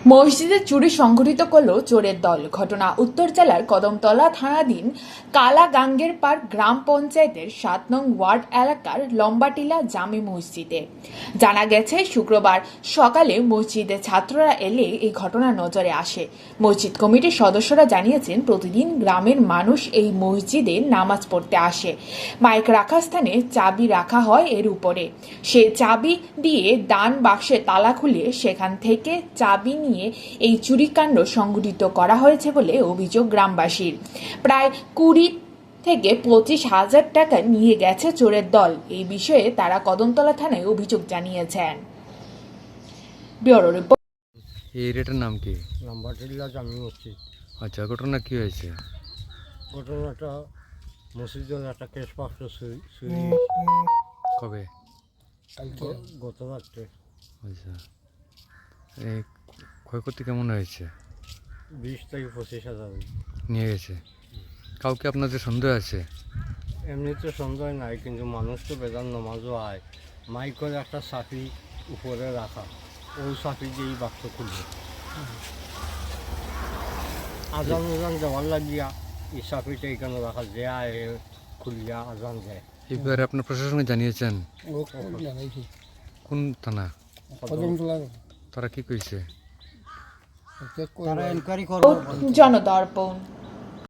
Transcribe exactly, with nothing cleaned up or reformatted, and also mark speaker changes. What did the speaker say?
Speaker 1: মসজিদে চুরি সংঘটিত করল চোরের দল। ঘটনা উত্তর জেলার কদমতলা থানাধীন কালাগাঙ্গের পাড় গ্রাম পঞ্চায়েতের সাত নং ওয়ার্ড এলাকার লম্বাটিলা জামে মসজিদে। জানা গেছে, শুক্রবার সকালে মসজিদে ছাত্ররা এলে এই ঘটনা নজরে আসে। মসজিদ কমিটির সদস্যরা জানিয়েছেন, প্রতিদিন গ্রামের মানুষ এই মসজিদে নামাজ পড়তে আসে। মাইক রাখা স্থানে চাবি রাখা হয় এর উপরে। সে চাবি দিয়ে দান বাক্সে তালা খুলে সেখান থেকে চাবি নিয়ে এই চুরিকাণ্ড সংঘটিত করা হয়েছে বলে অভিযোগ গ্রামবাসীর। প্রায় কুড়ি থেকে পঁচিশ হাজার টাকা নিয়ে গেছে চোরের দল। এই বিষয়ে তারা কদমতলা থানায় অভিযোগ জানিয়েছেন। Bureau report.
Speaker 2: এই এরিয়াটার নাম কি?
Speaker 3: লম্বাটিলা জামি মসজিদ।
Speaker 2: আচ্ছা, ঘটনা কি হয়েছে?
Speaker 3: ঘটনাটা মসজিদের একটা কেস বাক্স চুরি
Speaker 2: কবে?
Speaker 3: গ- গত রাত্রে
Speaker 2: আচ্ছা, এই ক্ষয়ক্ষতি কেমন হয়েছে?
Speaker 3: বিশ থেকে পঁচিশ হাজার।
Speaker 2: নিয়ে গেছে। কাউকে আপনাদের সন্দেহ আছে?
Speaker 3: এমনিতে সন্দেহ নাই, কিন্তু মানুষ তো বেদান নমাজও আয়। মাইকের একটা চাবি উপরে রাখা, ওই চাবি দিয়ে এই বাক্স খুলবে। আজান আজান দেওয়ার লাগিয়া এই চাবিটা এখানে রাখা, যে আয় খুলিয়া আজান দেয়।
Speaker 2: এই ব্যাপারে আপনার প্রশাসনকে জানিয়েছেন? কোন থানা?
Speaker 3: কদমতলা
Speaker 2: তারা কি কইছে?
Speaker 3: তারা এনকোয়ারি করবে।
Speaker 1: জনদর্পণ।